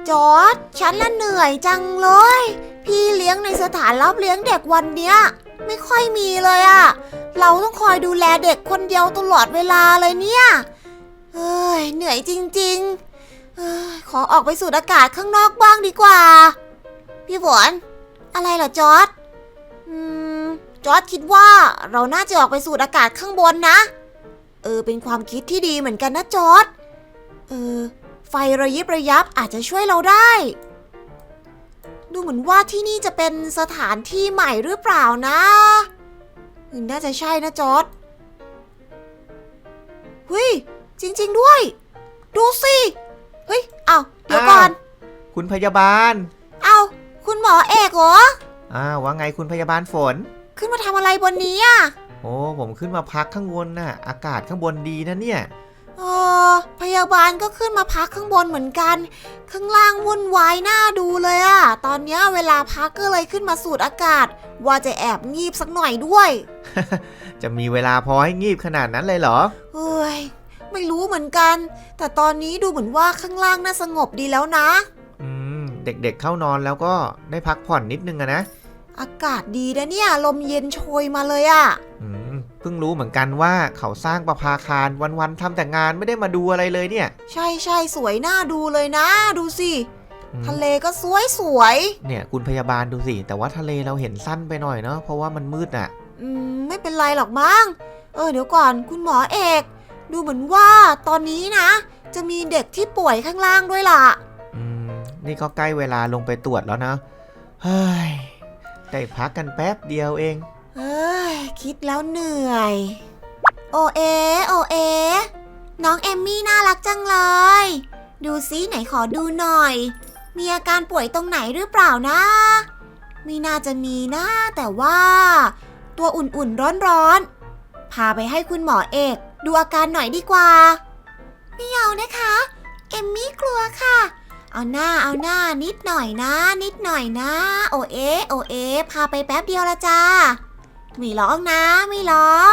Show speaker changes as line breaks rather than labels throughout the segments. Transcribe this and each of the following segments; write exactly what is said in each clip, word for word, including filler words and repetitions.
จอร์จฉันละเหนื่อยจังเลย พี่เลี้ยงในสถานรับเลี้ยงเด็กวันเนี้ยไม่ค่อยมีเลยอะเราต้องคอยดูแลเด็กคนเดียวตลอดเวลาเลยเนี่ยเฮ้ยเหนื่อยจริงๆเฮ้ยขอออกไปสูดอากาศข้างนอกบ้างดีกว่าพี่ฝนอะไรเหรอจอร์จอืมจอร์จคิดว่าเราน่าจะออกไปสูดอากาศข้างบนนะเออเป็นความคิดที่ดีเหมือนกันนะจอร์จเออไฟระยิบระยับอาจจะช่วยเราได้ดูเหมือนว่าที่นี่จะเป็นสถานที่ใหม่หรือเปล่านะน่าจะใช่นะจอร์จเฮ้ยจริงๆด้วยดูสิเฮ้ยเอาเดี๋ยวก่อน
คุณพยาบาล
เอาคุณหมอเอกเหรอ
อ้าวว่าไงคุณพยาบาลฝน
ขึ้นมาทำอะไรบนนี้อ่ะ
โอ้ผมขึ้นมาพักข้างบนน่ะอากาศข้างบนดีนะเนี่ย
เออพยาบาลก็ขึ้นมาพักข้างบนเหมือนกันข้างล่างวุ่นวายน่าดูเลยอะตอนนี้เวลาพักก็เลยขึ้นมาสูดอากาศว่าจะแอบงีบสักหน่อยด้วย
จะมีเวลาพอให้งีบขนาดนั้นเลยเหรอ
เฮ้ยไม่รู้เหมือนกันแต่ตอนนี้ดูเหมือนว่าข้างล่างน่าสงบดีแล้วนะ
อืมเด็กๆ เเข้านอนแล้วก็ได้พักผ่อนนิดนึงอะนะ
อากาศดีนะเนี่ยลมเย็นโชยมาเลยอะ
อืมเพิ่งรู้เหมือนกันว่าเขาสร้างประภาคารวันๆทำแต่งานไม่ได้มาดูอะไรเลยเนี่ย
ใช่ใช่สวยน่าดูเลยนะดูสิทะเลก็สวยสวย
เนี่ยคุณพยาบาลดูสิแต่ว่าทะเลเราเห็นสั้นไปหน่อยเนาะเพราะว่ามันมืดอ่ะ
อืมไม่เป็นไรหรอกมั้งเออเดี๋ยวก่อนคุณหมอเอกดูเหมือนว่าตอนนี้นะจะมีเด็กที่ป่วยข้างล่างด้วยล่ะ
อืมนี่ก็ใกล้เวลาลงไปตรวจแล้วนะเฮ้ยได้พักกันแป๊บเดียวเอง
เอ้ยคิดแล้วเหนื่อยโอเอโอเอน้องเอมมี่น่ารักจังเลยดูซิไหนขอดูหน่อยมีอาการป่วยตรงไหนหรือเปล่านะไม่น่าจะมีนะแต่ว่าตัวอุ่นๆร้อนๆพาไปให้คุณหมอเอกดูอาการหน่อยดีกว่าไม่เอานะคะเอมมี่กลัวค่ะเอาหน้าเอาหน้านิดหน่อยนะนิดหน่อยนะโอเอโอเอพาไปแป๊บเดียวละจ้าไม่ร้องนะไม่ร้อง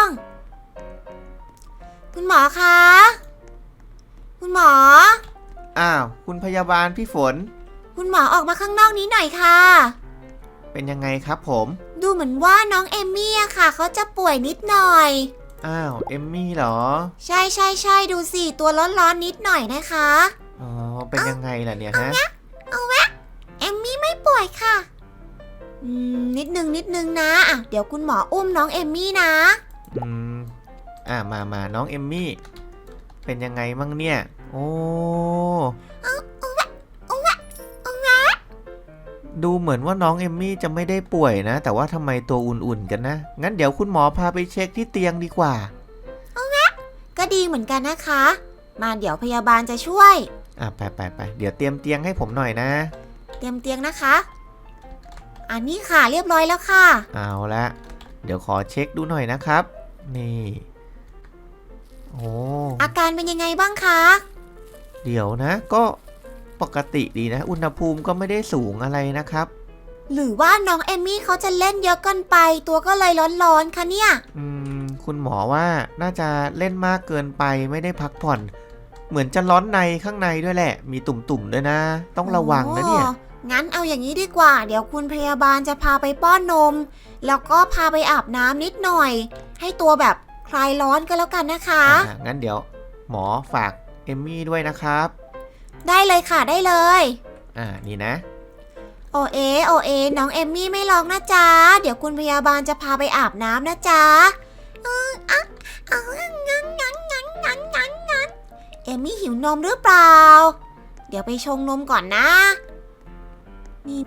คุณหมอคะคุณหมอ
อ้าวคุณพยาบาลพี่ฝน
คุณหมอออกมาข้างนอกนี้หน่อยค่ะ
เป็นยังไงครับผม
ดูเหมือนว่าน้องเอมมี่อะค่ะเขาจะป่วยนิดหน่อย
อ้าวเอมมี่เหรอ
ใช่ใช่ใช่ดูสิตัวร้อนๆนิดหน่อยนะคะ
อ๋อเป็นยังไงล่ะเนี่ยฮะ
เอาแวะเอาแวะเอมมี่ไม่ป่วยค่ะอืมนิดนึงนิดนึงนะอ่ะเดี๋ยวคุณหมออุ้มน้องเอมมี่นะ
อืมอ่ะมามาน้องเอมมี่เป็นยังไงมั่งเนี่ยโอ้
เอาเอาแวะเอาแวะเอาแวะ
ดูเหมือนว่าน้องเอมมี่จะไม่ได้ป่วยนะแต่ว่าทำไมตัวอุ่นๆกันนะงั้นเดี๋ยวคุณหมอพาไปเช็คที่เตียงดีกว่า
เอาแวะก็ดีเหมือนกันนะคะมาเดี๋ยวพยาบาลจะช่วย
อ่ะไปไปไปเดี๋ยวเตรียมเตียงให้ผมหน่อยนะ
เตรียมเตียงนะคะอันนี้ค่ะเรียบร้อยแล้วค่ะ
เอาละเดี๋ยวขอเช็คดูหน่อยนะครับนี่โอ้
อาการเป็นยังไงบ้างคะ
เดี๋ยวนะก็ปกติดีนะอุณหภูมิก็ไม่ได้สูงอะไรนะครับ
หรือว่าน้องเอมมี่เขาจะเล่นเยอะเกินไปตัวก็เลยร้อนๆคะเนี่ย
อืมคุณหมอว่าน่าจะเล่นมากเกินไปไม่ได้พักผ่อนเหมือนจะร้อนในข้างในด้วยแหละมีตุ่มๆด้วยนะต้องระวังนะเนี่ย
งั้นเอาอย่างนี้ดีกว่าเดี๋ยวคุณพยาบาลจะพาไปป้อนนมแล้วก็พาไปอาบน้ำนิดหน่อยให้ตัวแบบคลายร้อนก็แล้วกันนะคะ
อ่างั้นเดี๋ยวหมอฝากเอมมี่ด้วยนะครับ
ได้เลยค่ะได้เลย
อ่านี่นะ
โอเอโอเอน้องเอมมี่ไม่ร้องนะจ๊ะเดี๋ยวคุณพยาบาลจะพาไปอาบน้ำนะจ๊ะเอออ่ะเอางั้นงั้นงั้นงั้นงั้นงั้นเอมมี่หิวนมหรือเปล่าเดี๋ยวไปชงนมก่อนนะนี่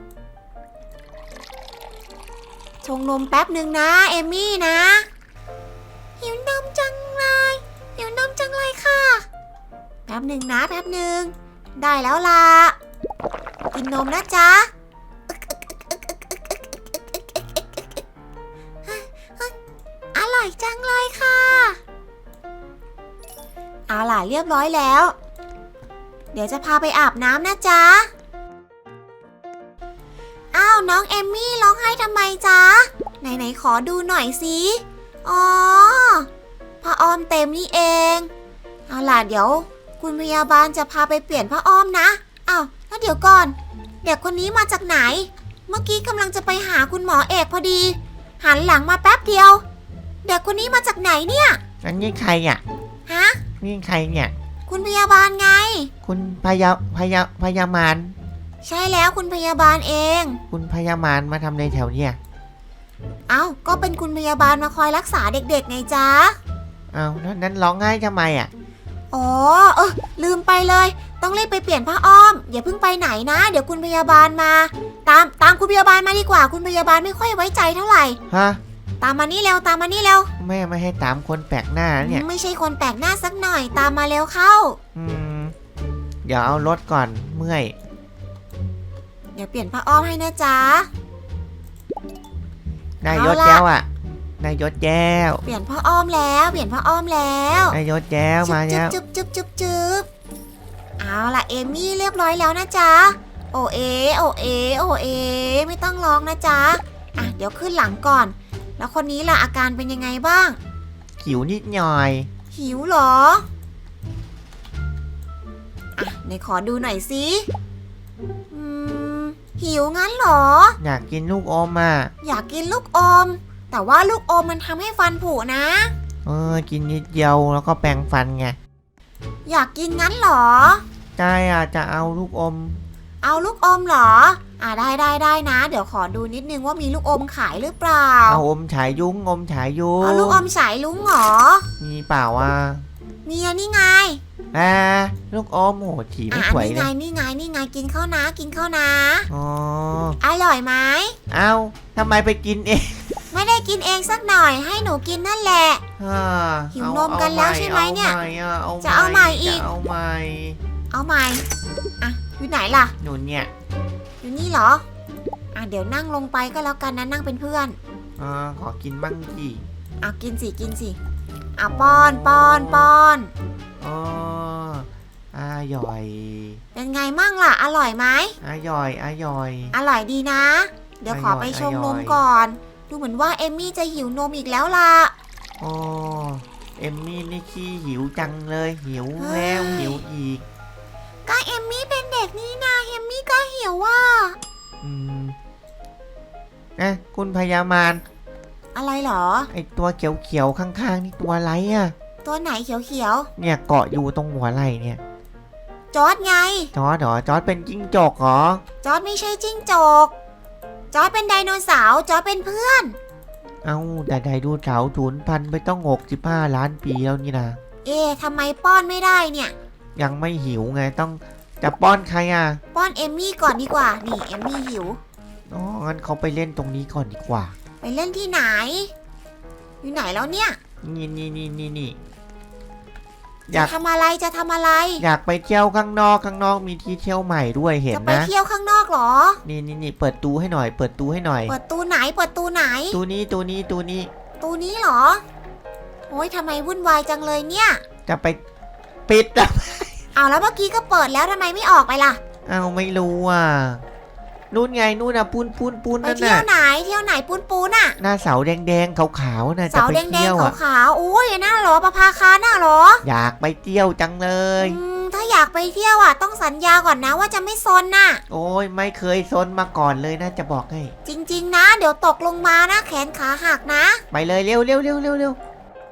ชงนมแป๊บหนึ่งนะเอมมี่นะหิวนมจังเลยหิวนมจังเลยค่ะแป๊บหนึ่งนะแป๊บหนึ่งได้แล้วล่ะกินนมนะจ๊ะอร่อยจังเลยค่ะเอาล่ะเรียบร้อยแล้วเดี๋ยวจะพาไปอาบน้ำนะจ๊ะอ้าวน้องเอมมี่ร้องไห้ทำไมจ๊ะไหนๆขอดูหน่อยสิอ๋อผ้าอ้อมเต็มนี่เองเอาล่ะเดี๋ยวคุณพยาบาลจะพาไปเปลี่ยนผ้าอ้อมนะอ้าวแล้วเดี๋ยวก่อนเด็กคนนี้มาจากไหนเมื่อกี้กำลังจะไปหาคุณหมอเอกพอดีหันหลังมาแป๊บเดียวเด็กคนนี้มาจากไหนเนี่ย
อันนี้ใครอ่ะ
ฮะ
นี่ใครเนี่ย
คุณพยาบาลไง
คุณพยาพยาพยามาร
ใช่แล้วคุณพยาบาลเอง
คุณพยามารมาทำในแถวเนี่ย
เอ้าก็เป็นคุณพยาบาลมาคอยรักษาเด็กๆไงจ๊ะ
เอาแล้วนั้นร้องไห้ทำไมอ่ะ
อ๋อเออลืมไปเลยต้องรีบไปเปลี่ยนผ้าอ้อมอย่าเพิ่งไปไหนนะเดี๋ยวคุณพยาบาลมา ตามตามคุณพยาบาลมาดีกว่าคุณพยาบาลไม่ค่อยไว้ใจเท่าไหร่
ฮะ
ตามมานี่เร็วตามมานี่เร็ว
แม่ไม่ให้ตามคนแปลกหน้าเนี่ย
ไม่ใช่คนแปลกหน้าสักหน่อยตามมาเร็วเข้า
อืมเดี๋ยวเอารถก่อนเมื่อย
เดี๋ยวเปลี่ยนผ้าอ้อมให้นะจ๊ะ
นายยศ
เอาล่ะ
แย้วอ่ะนายยศแย้ว
เปลี่ยนผ้าอ้อมแล้วเปลี่ยนผ้าอ้อมแล้ว
นายยศแย้วมาแล้ว
จุ๊บจุ๊บจุ๊บจุ๊บเอาล่ะเอมี่เรียบร้อยแล้วนะจ๊ะโอเอโอเอโอเอไม่ต้องร้องนะจ๊ะอ่ะเดี๋ยวขึ้นหลังก่อน แล้วคนนี้ล่ะอาการเป็นยังไงบ้าง
หิวนิดหน่อย
หิวเหรออ่ะไหนขอดูหน่อยสิอืมหิวงั้นเหรอ
อยากกินลูกอมอ่ะ
อยากกินลูกอม แต่ว่าลูกอมมันทำให้ฟันผุนะ
เออกินนิดเดียวแล้วก็แปรงฟันไง
อยากกินงั้นเหรอ
ใช่อ่ะจะเอาลูกอม
เอาลูกอมเหรอ อ่าได้ได้ได้นะ เดี๋ยวขอดูนิดนึงว่ามีลูกอมขายหรือเปล่า
เอาอมฉายยุ้งอมฉายยุ้ง
เอาลูกอมสายลุงเหรอ
มีเปล่าอ่ะ
มีอันนี่ไง
อ่าลูกอมโหถีไม่
อ่า
สวย
นี่
เล
ไง
ย
นี่ไงนี่ไงกินข้าวนะกินข้าวนะ
อ๋อ
อร่อยไหม
เอาทำไมไปกินเอง
ไม่ได้กินเองสักหน่อยให้หนูกินนั่นแหละ
อ่า
หิว
เอา
นมกันแล้วใช่ไหมเนี่ย
อาใหม่อ่ะเอา
จะเอาใหม่อีก
จะเอาใหม่
เอาใหม่อ่ะอยู่ไหนล่ะ
หนูเนี่ย
อยู่นี่เหรอ อ่ะเดี๋ยวนั่งลงไปก็แล้วกันนะนั่งเป็นเพื่อน
อ่าขอกินบ้างสิ
อ่ะกินสิกินสิอ่ะป้อนป้อนป้อน
อ๋ออร่อย
เป็นไงมั่งล่ะ อร่อยไหม
อร่อยอร่อย
อร่อยดีนะ เดี๋ยวขอไปชงนมก่อน ดูเหมือนว่าเอมมี่จะหิวนมอีกแล้วล่ะ
อ๋อเอมมี่นี่ขี้หิวจังเลยหิว
เฮ้ย
แล้วหิวอีก
ก็เอมมี่เป็นเด็กนี่นาเอมมี่ก็หิวว่า
อืมนะคุณพยามาร
อะไรเหรอ
ไอตัวเขียวๆข้างๆนี่ตัวอะไรอ่ะ
ตัวไหนเขียว
เนี่ยเกาะอยู่ตรงหัวไหล่เนี่ย
ๆจอร์ดไง
จอร์ดเหรอจอร์ดเป็นจิ้งจกเหรอ
จอร์ดไม่ใช่จิ้งจก จอร์ดเป็นไดโนเสาร์จอร์ดเป็นเพื่อน
เอ้าแต่ไดโนเสาร์สูญพันธุ์ไปต้องหกสิบห้าล้านปีแล้วนี่นะ
เอ๊ะทำไมป้อนไม่ได้เนี่ย
ยังไม่หิวไงต้องจะป้อนใครอ่ะ
ป้อนเอมมี่ก่อนดีกว่า นี่เอมมี่หิว
อ๋องั้นเขาไปเล่นตรงนี้ก่อนดีกว่า
ไปเล่นที่ไหน อยู่ไหนแล้วเนี่ย
นี่นี่นี่นี่นี่อ
จะ
ยาก
ทำอะไรจะทำอะไร
อยากไปเที่ยวข้างนอกข้างนอกมีที่เที่ยวใหม่ด้วยเห็น
จะไป
นะ
เที่ยวข้างนอกเหรอ
นี่นี่นี่เปิดตูให้หน่อย เปิดตูให้หน่อย
เปิดตูไหน เปิดตูไหน
ตูนี้ตูนี้ตูนี้
ตูนี้เหรอ โอ้ยทำไมวุ่นวายจังเลยเนี่ย
จะไปปิดอ่ะ
เอาแล้วเมื่อกี้ก็เปิดแล้วทำไมไม่ออกไปล่ะ
เอาไม่รู้อ่ะนู่นไงนู่นอ่ะปูนปูนปูน
ไป
นั่น
เที่ย
น่ะ
วไหน เที่ยวไหนปูนปูนอะ
หน้าเสาแดงๆขาวๆน่ะจะ
เสา
ไป
แดง
เที่ยว
ๆ
อ่ะ
ขาวๆโอ้ยน่าเหรอประภาคารน่าเหรอ
อยากไปเที่ยวจังเลย
อืมถ้าอยากไปเที่ยวอ่ะต้องสัญญาก่อนนะว่าจะไม่ซนน่ะ
โอ้ยไม่เคยซนมาก่อนเลยนะจะบอกให้
จริงๆนะ เดี๋ยวตกลงมานะแขนขาหักนะ
ไปเลยเร็วเร็วเร็วเร็วเร็ว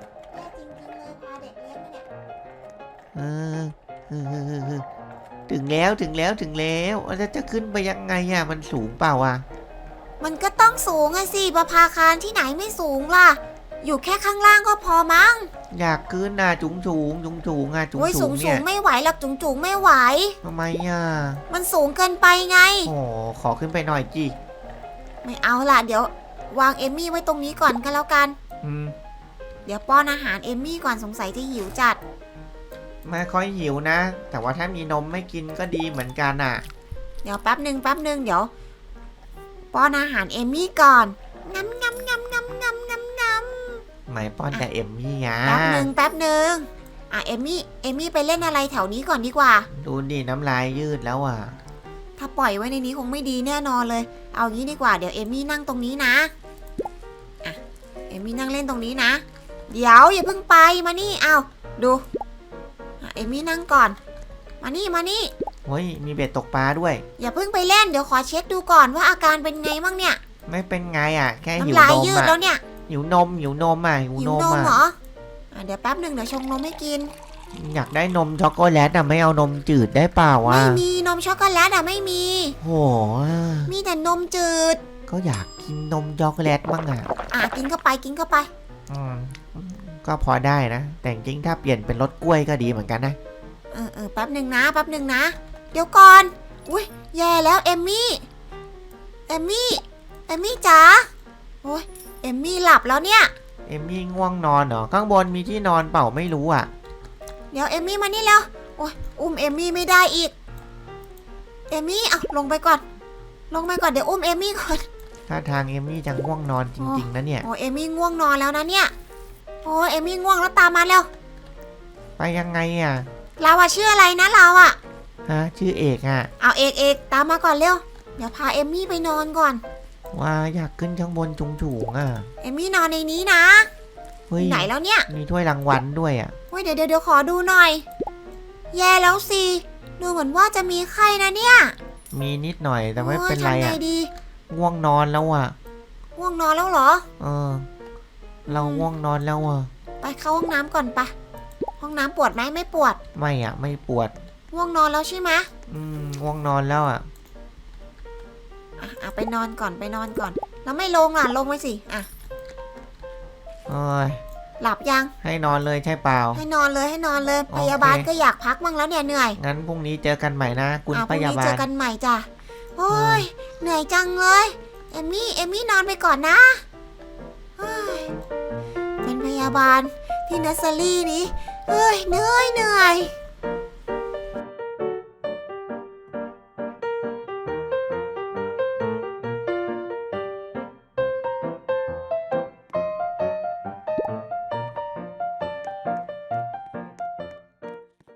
เออเออเออเออเออถึงแล้วถึงแล้วถึงแล้วแล้วจะขึ้นไปยังไงอ่ะมันสูงเปล่าอ่ะ
มันก็ต้องสูงอะสิประภาคารที่ไหนไม่สูงล่ะ อยู่แค่ข้างล่างก็พอมั้ง
อยากขึ้นน่ะจุงสูงจุงสูงอ่ะจุง
โอ้ย
สู
สู
ง
งสู
เนี่
ง
ย
ไม่ไหวหรอกจุงจุงไม่ไหว
ทำไมอ่ะ
มันสูงเกินไปไง
โอ้ขอขึ้นไปหน่อยจี
ไม่เอาล่ะ เดี๋ยว วางเอมมี่ไว้ตรงนี้ก่อนก็แล้วกัน
อืม
เดี๋ยวป้อนอาหารเอมมี่ก่อนสงสัยจะหิวจัด
ไม่ค่อยหิวนะ แต่ว่าถ้ามีนมไม่กินก็ดีเหมือนกันอ่ะ
เดี๋ยวแป๊บหนึ่งแป๊บหนึ่งเดี๋ยว ป้อนอาหารเอมมี่ก่อนงำงำงำงำงำงำงำ
ไม่ป้อนแต่เอมมี่อ่ะ
แป๊บหนึ่งแป๊บหนึ่งอ่ะเอมมี่เอมมี่ไปเล่นอะไรแถวนี้ก่อนดีกว่า
ดูดิน้ำลายยืดแล้วอ่ะ
ถ้าปล่อยไว้ในนี้คงไม่ดีแน่นอนเลย เอางี้ดีกว่าเดี๋ยวเอมมี่นั่งตรงนี้นะอ่ะเอมมี่นั่งเล่นตรงนี้นะ เดี๋ยวอย่าเพิ่งไปมานี่เอาดูอ่ะเอมมี่นั่งก่อน มานี่มานี่
เฮ้ยมีเบ็ดตกปลาด้วย
อย่าเพิ่งไปเล่นเดี๋ยวขอเช็คดูก่อนว่าอาการเป็นไงบ้างเนี่ย
ไม่เป็นไงอ่ะแค่หิว
น้ำลาย
นม
ยืด
อ่ะ
แล้วเนี่ย
หิวนมหิวนมอ่ะหิว
หิ
น
ว
ม
นม
อ่ะ
เหรออ่ะเดี๋ยวแป๊บหนึ่งเดี๋ยวชงนมให้กิน
อยากได้นมช็อกโกแลตอ่ะไม่เอานมจืดได้เปล่าวะ
ไม่มีนมช็อกโกแลตอ่ะไม่มี
โห
มีแต่นมจืด
ก็อยากกินนมช็อกโกแลตบ้างอ่ะ
อ่ะกินเข้าไปกินเข้าไป
อืมก็พอได้นะ แต่จริงๆถ้าเปลี่ยนเป็นรสกล้วยก็ดีเหมือนกันนะ
เออเออแป๊บหนึ่งนะแป๊บหนึ่งนะ เดี๋ยวก่อนอุ้ยแย่แล้วเอมมี่เอมมี่เอมมี่จ๋าโอ้ยเอมมี่หลับแล้วเนี่ย
เอมมี่ง่วงนอนเหรอข้างบนมีที่นอนเปล่าไม่รู้อ่ะ
เดี๋ยวเอมมี่มานี่แล้วโอ้ยอุ้มเอมมี่ไม่ได้อีกเอมมี่เอาลงไปก่อน ลงไปก่อนเดี๋ยวอุ้มเอมมี่ก่อน
ถ้าทางเอมมี่จะง่วงนอนจริงๆนะเนี่ย
โอ้เอมมี่ง่วงนอนแล้วนะเนี่ยโอ้เอมมี่ง่วงแล้วตามมาแล้ว
ไปยังไงอ่ะ
เราอะชื่ออะไรนะเราอะ
ฮะชื่อเอกอ่ะ
เอาเอกเอกตามมาก่อนเร็วเดี๋ยวพาเอมมี่ไปนอนก่อน
ว่าอยากขึ้นข้างบนสูงๆอ่ะ
เอมมี่นอนในนี้นะ
เฮ้ย
ไหนแล้วเนี่ย
มีถ้วยรางวัลด้วยอ่ะ
เฮ้ยเดี๋ยวเดี๋ยวเดี๋ยวขอดูหน่อย แย่แล้วสิดูเหมือนว่าจะมีไข้นะเนี่ย
มีนิดหน่อยแต่ไม่เป็นไร
โอ้ยทำไง
อ่ะ
ดี
ง่วงนอนแล้วอ่ะ
ง่วงนอนแล้วเหรอ
เออ เราง่วงนอนแล้วอ่ะ
ไปเข้าห้องน้ำก่อนปะห้องน้ำปวดไหมไม่ปวด
ไม่อ่ะไม่ปวด
ง่วงนอนแล้วใช่ไหม
อืมง่วงนอนแล้วอ่ะ
อ่ะอ่ะไปนอนก่อนไปนอนก่อน แล้วไม่ลงอ่ะลงไปสิอ่ะ
เอ้ย
หลับยัง
ให้นอนเลยใช่เปล่า
ให้นอนเลยให้นอนเลย
โอเค
พยาบาลก็อยากพักบ้างแล้วเนี่ยเหนื่อย
งั้นพรุ่งนี้เจอกันใหม่นะคุณ
อ่ะพ
พ
รุ่ง
ยา
นี้
บา
เจ
ล
อกันใหม่จ้ะโอ้ยเหนื่อยจังเลย เอมมี่เอมมี่นอนไปก่อนนะเฮ้ยเป็นพยาบาลที่เนสเซอรี่นี้เฮ้ยเหนื่อยเหนื่อย